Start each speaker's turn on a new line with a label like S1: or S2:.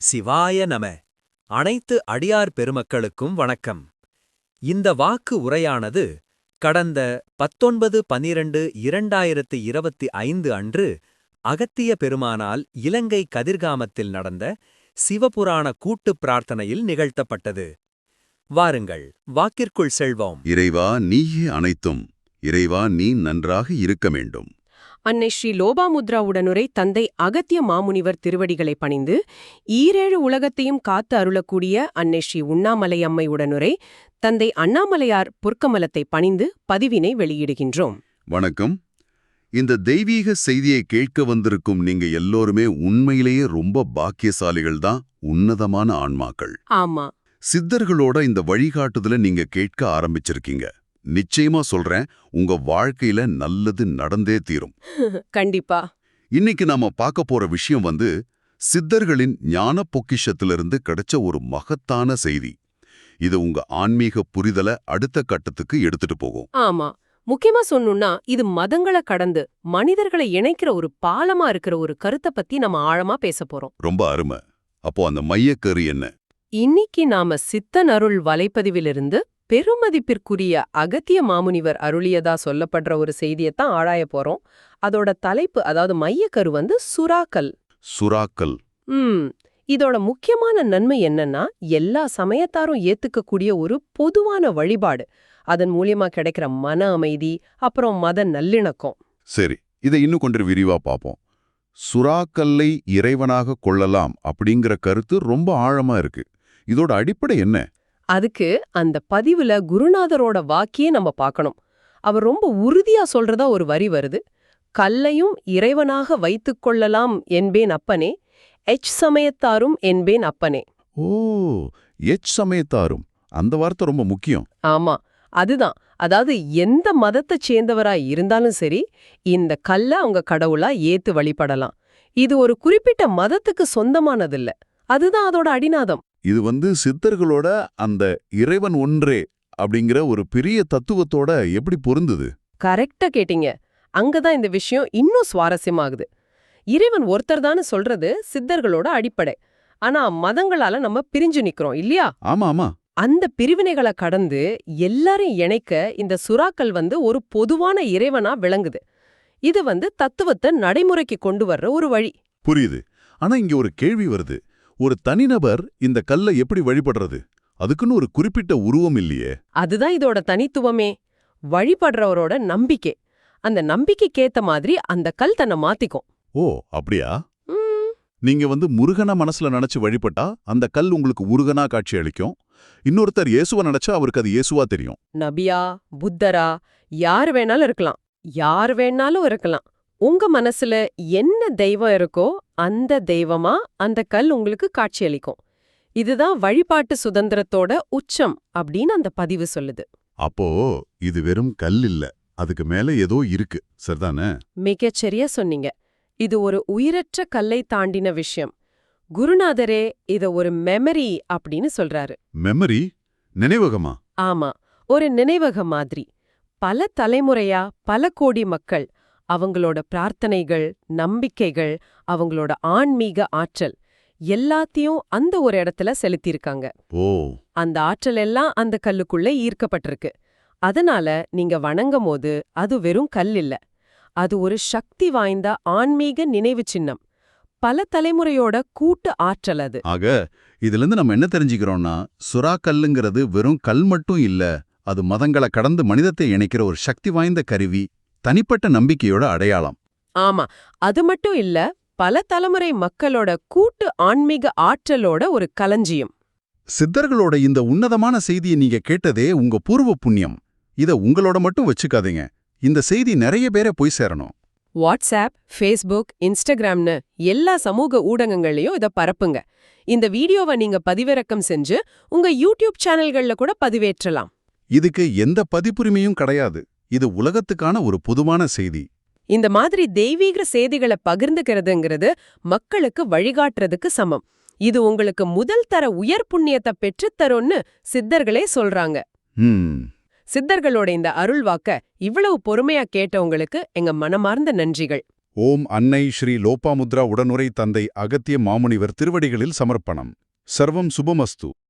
S1: சிவாய நம. அனைத்து அடியார் பெருமக்களுக்கும் வணக்கம். இந்த வாக்கு உரையானது கடந்த 19/12/2025 அன்று அகத்திய பெருமானால் இலங்கை கதிர்காமத்தில் நடந்த சிவபுராண கூட்டுப் பிரார்த்தனையில் நிகழ்த்தப்பட்டது. வாருங்கள், வாக்கிற்குள் செல்வோம்.
S2: இறைவா, நீயே அனைத்தும். இறைவா, நீ நன்றாக இருக்க வேண்டும்.
S3: அன்னை ஸ்ரீ லோபாமுத்ராவுடனுரை தந்தை அகத்திய மாமுனிவர் திருவடிகளை பணிந்து ஈரேழு உலகத்தையும் காத்து அருளக்கூடிய அன்னை ஸ்ரீ உண்ணாமலை அம்மை உடனுரை தந்தை அண்ணாமலையார் பொற்கமலத்தை பணிந்து பதிவினை வெளியிடுகின்றோம்.
S2: வணக்கம். இந்த தெய்வீக செய்தியை கேட்க வந்திருக்கும் நீங்க எல்லோருமே உண்மையிலேயே ரொம்ப பாக்கியசாலிகள்தான், உன்னதமான ஆன்மாக்கள்.
S3: ஆமா,
S2: சித்தர்களோட இந்த வழிகாட்டுதல நீங்க கேட்க ஆரம்பிச்சிருக்கீங்க. நிச்சயமா சொல்றேன், உங்க வாழ்க்கையில நல்லது நடந்தே தீரும்.
S3: கண்டிப்பா.
S2: இன்னைக்கு நாம பார்க்க போற விஷயம் சித்தர்களின் ஞான பொக்கிஷத்திலிருந்து கிடைச்ச ஒரு மகத்தான செய்தி. இது உங்க ஆன்மீக புரிதலை அடுத்த கட்டத்துக்கு எடுத்துட்டு போகும்.
S3: ஆமா, முக்கியமா சொன்னோம்னா இது மதங்களை கடந்து மனிதர்களை இணைக்கிற ஒரு பாலமா இருக்கிற ஒரு கருத்தை பத்தி நம்ம ஆழமா பேச போறோம்.
S2: ரொம்ப அருமை. அப்போ அந்த மையக்கரு என்ன?
S3: இன்னைக்கு நாம சித்தன் அருள் வலைப்பதிவிலிருந்து பெருமதிப்பிற்குரிய அகத்திய மாமுனிவர் அருளியதா சொல்லப்படுற ஒரு செய்தியத்தான் ஆராய போறோம். அதோட தலைப்பு, அதாவது மையக்கரு சுறாக்கல்.
S2: சுறாக்கல்.
S3: இதோட முக்கியமான நன்மை என்னன்னா, எல்லா சமயத்தாரும் ஏத்துக்கக்கூடிய ஒரு பொதுவான வழிபாடு. அதன் மூலியமா கிடைக்கிற மன அமைதி, அப்புறம் மத நல்லிணக்கம்.
S2: சரி, இதை இன்னும் கொஞ்சம் விரிவா பார்ப்போம். சுறாக்கல்லை இறைவனாக கொள்ளலாம் அப்படிங்கிற கருத்து ரொம்ப ஆழமா இருக்கு. இதோட அடிப்படை என்ன?
S3: அதுக்கு அந்த பதிவுல குருநாதரோட வாக்கியே நம்ம பார்க்கணும். அவர் ரொம்ப உறுதியா சொல்றதா ஒரு வரி வருது. கல்லையும் இறைவனாக வைத்துக் கொள்ளலாம் என்பேன் அப்பனே, எச் சமயத்தாரும் என்பேன் அப்பனே.
S2: ஓ, எச் சமயத்தாரும், அந்த வார்த்தை ரொம்ப முக்கியம்.
S3: ஆமா, அதுதான். அதாவது எந்த மதத்தைச் சேர்ந்தவராய் இருந்தாலும் சரி, இந்த கல்ல அவங்க கடவுளா ஏத்து வழிபடலாம். இது ஒரு குறிப்பிட்ட மதத்துக்கு சொந்தமானதில்ல. அதுதான் அதோட அடிநாதம்.
S2: இது சித்தர்களோட அந்த இறைவன் ஒன்றே அப்படிங்கிற ஒரு பெரிய தத்துவத்தோட எப்படி பொருந்துது?
S3: கரெக்டா கேட்டீங்க. அங்கதான் இந்த விஷயம் இன்னும் சுவாரஸ்யமாகுது. இறைவன் ஒருத்தர் தானே சொல்றது சித்தர்களோட அடிப்படை. ஆனா மதங்களால நம்ம பிரிஞ்சு நிக்கிறோம் இல்லையா?
S2: ஆமா ஆமா.
S3: அந்த பிரிவினைகளை கடந்து எல்லாரையும் இணைக்க இந்த சுறாக்கள் ஒரு பொதுவான இறைவனா விளங்குது. இது தத்துவத்தை நடைமுறைக்கு கொண்டு வர்ற ஒரு வழி.
S2: புரியுது. ஆனா இங்க ஒரு கேள்வி வருது. ஒரு தனிநபர் இந்த கல்லை எப்படி வழிபடுறது? அதுக்குன்னு ஒரு குறிப்பிட்ட உருவம் இல்லையே.
S3: அதுதான் இதோட தனித்துவமே. வழிபடுறவரோட நம்பிக்கை. அந்த நம்பிக்கைக்கேத்த மாதிரி அந்த கல் தன்னை மாத்திக்கும்.
S2: ஓ, அப்படியா? நீங்க முருகனை மனசுல நினைச்சு வழிபட்டா அந்த கல் உங்களுக்கு முருகனா காட்சி அளிக்கும். இன்னொருத்தர் இயேசுவ நினைச்சா அவருக்கு அது இயேசுவா தெரியும்.
S3: நபியா, புத்தரா, யார் வேணாலும் இருக்கலாம். யார் வேணாலும் இருக்கலாம். உங்க மனசுல என்ன தெய்வம் இருக்கோ அந்த தெய்வமா அந்த கல் உங்களுக்கு காட்சியளிக்கும். இதுதான் வழிபாட்டு சுதந்திரத்தோட உச்சம் அப்படின்னு அந்த பதிவு சொல்லுது.
S2: அப்போ இது வெறும் கல் இல்ல, அதுக்கு மேல ஏதோ இருக்கு, சரிதானே?
S3: மிகச்சரியா சொன்னீங்க. இது ஒரு உயிரற்ற கல்லை தாண்டின விஷயம். குருநாதரே இத ஒரு மெமரி அப்படின்னு சொல்றாரு.
S2: மெமரி? நினைவகமா?
S3: ஆமா, ஒரு நினைவகம் மாதிரி. பல தலைமுறையா பல கோடி மக்கள் அவங்களோட பிரார்த்தனைகள், நம்பிக்கைகள், அவங்களோட ஆன்மீக ஆற்றல் எல்லாத்தையும் அந்த ஒரு இடத்துல செலுத்தியிருக்காங்க.
S2: ஓ, அந்த
S3: ஆற்றல் எல்லாம் அந்த கல்லுக்குள்ள ஈர்க்கப்பட்டிருக்கு. அதனால நீங்க வணங்கும் போது அது வெறும் கல் இல்ல, அது ஒரு சக்தி வாய்ந்த ஆன்மீக நினைவு சின்னம். பல தலைமுறையோட கூட்டு ஆற்றல் அது.
S2: ஆக இதுல இருந்து நம்ம என்ன தெரிஞ்சுக்கிறோம்னா, சுறாக்கல்லுங்கிறது வெறும் கல் மட்டும் இல்ல, அது மதங்களை கடந்து மனிதத்தை இணைக்கிற ஒரு சக்தி வாய்ந்த கருவி, தனிப்பட்ட நம்பிக்கையோட அடையாளம்.
S3: ஆமா, அது மட்டும் இல்ல, பல தலைமுறை மக்களோட கூட்டு ஆன்மீக ஆற்றலோட ஒரு களஞ்சியம்.
S2: சித்தர்களோட இந்த உன்னதமான செய்தியை நீங்க கேட்டதே உங்க பூர்வ புண்ணியம். இத உங்களோட மட்டும் வச்சுக்காதீங்க. இந்த செய்தி நிறைய பேரை போய் சேரணும்.
S3: வாட்ஸ்ஆப், ஃபேஸ்புக், இன்ஸ்டாகிராம்னு எல்லா சமூக ஊடகங்கள்லயும் இத பரப்புங்க. இந்த வீடியோவை நீங்க பதிவிறக்கம் செஞ்சு உங்க யூடியூப் சேனல்கள்ல கூட பதிவேற்றலாம்.
S2: இதுக்கு எந்த பதிப்புரிமையும் கிடையாது. இது உலகத்துக்கான ஒரு பொதுவான செய்தி.
S3: இந்த மாதிரி தெய்வீக செய்திகளை பகிர்ந்துக்கிறதுங்கிறது மக்களுக்கு வழிகாட்டுறதுக்கு சமம். இது உங்களுக்கு முதல் தர உயர் புண்ணியத்தை பெற்றுத்தரும்னு சித்தர்களே சொல்றாங்க. சித்தர்களோட இந்த அருள்வாக்க இவ்வளவு பொறுமையா கேட்டவங்களுக்கு எங்க மனமார்ந்த நன்றிகள்.
S4: ஓம் அன்னை ஸ்ரீ லோபாமுத்ரா உடனுரை தந்தை அகத்திய மாமுனிவர் திருவடிகளில் சமர்ப்பணம். சர்வம் சுபமஸ்து.